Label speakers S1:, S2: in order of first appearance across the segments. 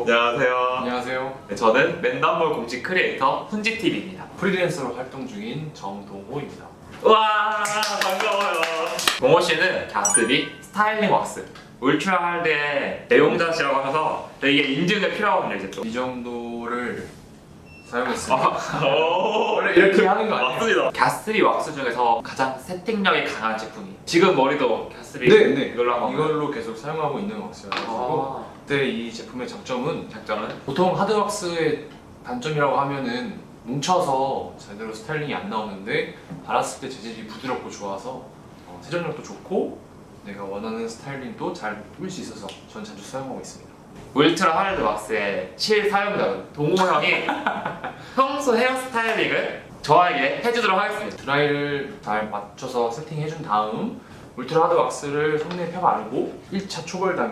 S1: 안녕하세요.
S2: 안녕하세요.
S1: 네, 저는 맨담몰 공식 크리에이터 훈지TV입니다.
S2: 프리랜서로 활동 중인 정동호입니다.
S1: 와 반가워요. 동호 씨는 가스비 스타일링 왁스 울트라 할드의 내용자시라고 하셔서 이게 인증이 필요하거든요. 이제 또.
S2: 이 정도를 사용했습니다.
S1: 원래
S2: 이렇게 하는 거 아니에요?
S1: 맞습니다. 가스비 왁스 중에서 가장 세팅력이 강한 제품이 지금 머리도 가스비
S2: 네.
S1: 이걸로 한번
S2: 이걸로 계속 사용하고 있는 왁스여가지고 근데 이 제품의 장점은
S1: 장점은
S2: 보통 하드 왁스의 단점이라고 하면은 뭉쳐서 제대로 스타일링이 안 나오는데 발랐을 때 재질이 부드럽고 좋아서 세정력도 좋고 내가 원하는 스타일링도 잘 뿌릴 수 있어서 전 자주 사용하고 있습니다.
S1: 울트라 하드 왁스의 실사용자는 동호 형이 평소 헤어스타일링을 저에게 해주도록 하겠습니다.
S2: 드라이를 잘 맞춰서 세팅해준 다음 울트라 하드 왁스를 손에 펴 바르고 1차 초벌 단계.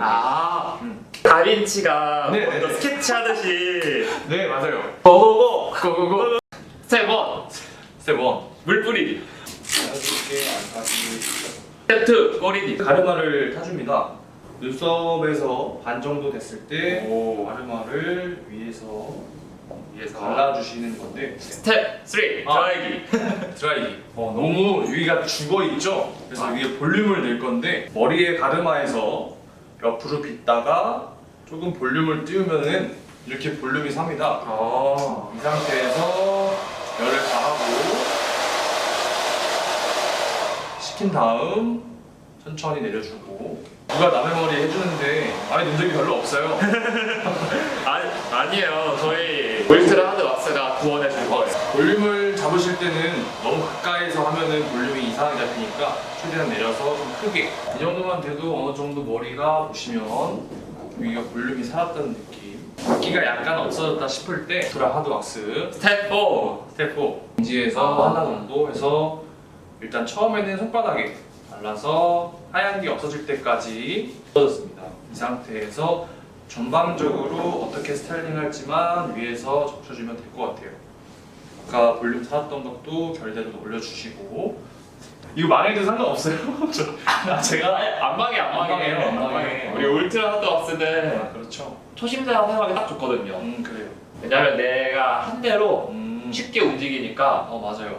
S1: 다빈치가
S2: 네,
S1: 먼저
S2: 네.
S1: 스케치하듯이
S2: 네 맞아요.
S1: 고고고
S2: 고고고.
S1: 스텝 1
S2: 스텝 1.
S1: 물 뿌리기
S2: 자연스럽게 안 타기.
S1: 스텝 2 꼬리기
S2: 가르마를 타줍니다. 눈썹에서 반 정도 됐을 때
S1: 오.
S2: 가르마를 위에서
S1: 위에서
S2: 발라주시는 건데
S1: 스텝 3 드라이기
S2: 드라이기. 너무 여기가 죽어 있죠. 그래서 위에 볼륨을 낼 건데 머리에 가르마에서 옆으로 빗다가 조금 볼륨을 띄우면은 이렇게 볼륨이 삽니다. 이 상태에서 열을 가하고 식힌 다음 천천히 내려주고. 누가 남의 머리 해주는데 많이 논 적이 별로 없어요.
S1: 아니에요. 저희 울트라 하드 왁스가 구원해 줄 거예요.
S2: 볼륨을 잡으실 때는 너무 가까이서 하면은 볼륨이 이상하게 잡히니까 최대한 내려서 좀 크게. 이 정도만 돼도 어느 정도 머리가 보시면 여기가 볼륨이 살았다는 느낌. 붓기가 약간 없어졌다 싶을 때 울트라 하드 왁스
S1: 스텝 4
S2: 스텝 4 인지에서 하나 정도 해서 일단 처음에는 손바닥에 발라서 하얀 게 없어질 때까지 없어졌습니다. 이 상태에서 전반적으로 어떻게 스타일링 할지만 위에서 적셔주면 될 것 같아요. 아까 볼륨 살았던 것도 결대로 올려주시고. 이거 망해도 상관없어요. 제가
S1: 안 망해요.
S2: 안 망해요.
S1: 우리 울트라 하드 왁스는
S2: 그렇죠.
S1: 초심자 사용하기 딱 좋거든요.
S2: 그래요.
S1: 왜냐면 내가 한 대로 쉽게 움직이니까
S2: 맞아요.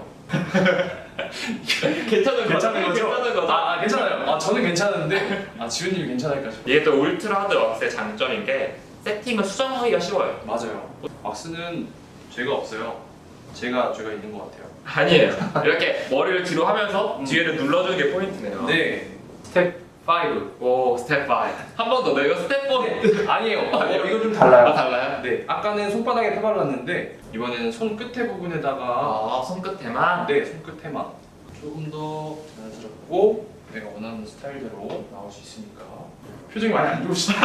S1: 괜찮은
S2: 거죠?
S1: 괜찮은 거죠.
S2: 괜찮아요. 저는 괜찮은데 지훈님이 괜찮을까 싶어요.
S1: 이게 또 울트라 하드 왁스의 장점인 게 세팅을 수정하기가 쉬워요.
S2: 맞아요. 왁스는 죄가 없어요. 죄가 있는 것 같아요.
S1: 아니에요. 이렇게 머리를 뒤로 하면서 뒤에를 눌러주는 게 포인트네요.
S2: 네. 스텝 5.
S1: 오 스텝 5. 한 번 더. 내가 스텝 4.
S2: 아니에요. 이거 좀
S1: 아, 달라요?
S2: 네. 아까는 손바닥에 펴발랐는데 이번에는 손 끝에 부분에다가
S1: 손끝에만.
S2: 네, 손끝에만 조금 더 자연스럽고 내가 원하는 스타일대로 나올 수 있으니까. 표정이 많이 안 좋으시다.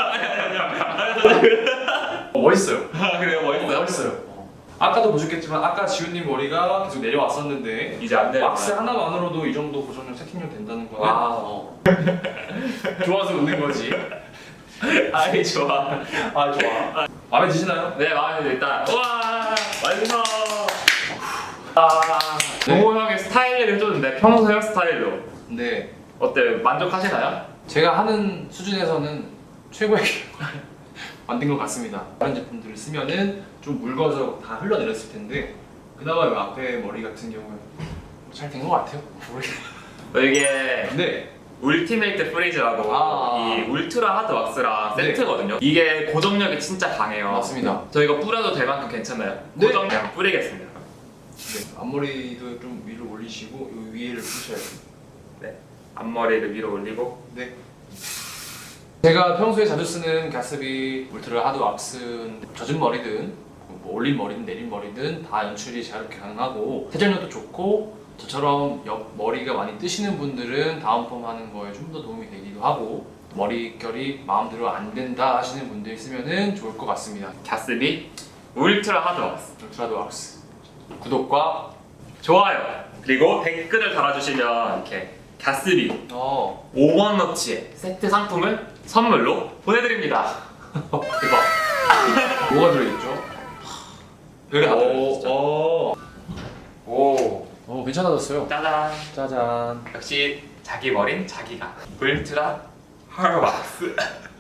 S2: 멋있어요.
S1: 그래요?
S2: 멋있어요. 아까도 보셨겠지만 아까 지훈님 머리가 계속 내려왔었는데
S1: 이제 안 내려.
S2: 왁스 하나만으로도 이 정도 고정력 세팅력 된다는 거는
S1: 와.
S2: 좋아서 웃는 거지.
S1: 아이 좋아.
S2: 좋아. 마음에 드시나요?
S1: 네 마음에 들어. 일단 와 완성.
S2: 네.
S1: 동호 형의 스타일을 해줬는데 평소 헤어스타일로
S2: 네.
S1: 어때요? 만족하시나요?
S2: 제가 하는 수준에서는 최고의 만든 것 같습니다. 다른 제품들을 쓰면은 좀 묽어서 다 흘러내렸을 텐데 그나마 이 앞에 머리 같은 경우는 잘 된 것 같아요.
S1: 이게
S2: 네.
S1: 울티메이트 프리즈라고 이 울트라 하드 왁스랑
S2: 네.
S1: 세트거든요. 이게 고정력이 진짜 강해요.
S2: 맞습니다.
S1: 저 이거 뿌려도 될 만큼 괜찮나요?
S2: 네.
S1: 고정력 뿌리겠습니다.
S2: 네. 앞머리도 좀 위로 올리시고 요 위에를 푸셔야 돼요.
S1: 네. 앞머리를 위로 올리고.
S2: 네. 제가 평소에 자주 쓰는 가스비 울트라 하드 왁스는 젖은 머리든 뭐 올린 머리든 내린 머리든 다 연출이 자유롭게 가능하고 세정력도 좋고 저처럼 옆 머리가 많이 뜨시는 분들은 다운펌 하는 거에 좀 더 도움이 되기도 하고 머릿결이 마음대로 안 된다 하시는 분들 쓰면은 좋을 것 같습니다.
S1: 가스비 울트라 하드 왁스.
S2: 울트라 하드 왁스 구독과
S1: 좋아요. 그리고 댓글을 달아주시면 이렇게 가스비 5원어치의 세트 상품을 선물로 보내드립니다. 대박.
S2: 뭐가 들어있죠?
S1: 별이 다 들어있죠.
S2: 오, 괜찮아졌어요.
S1: 짜잔.
S2: 짜잔.
S1: 역시 자기 머린 자기가. 울트라 하드 왁스.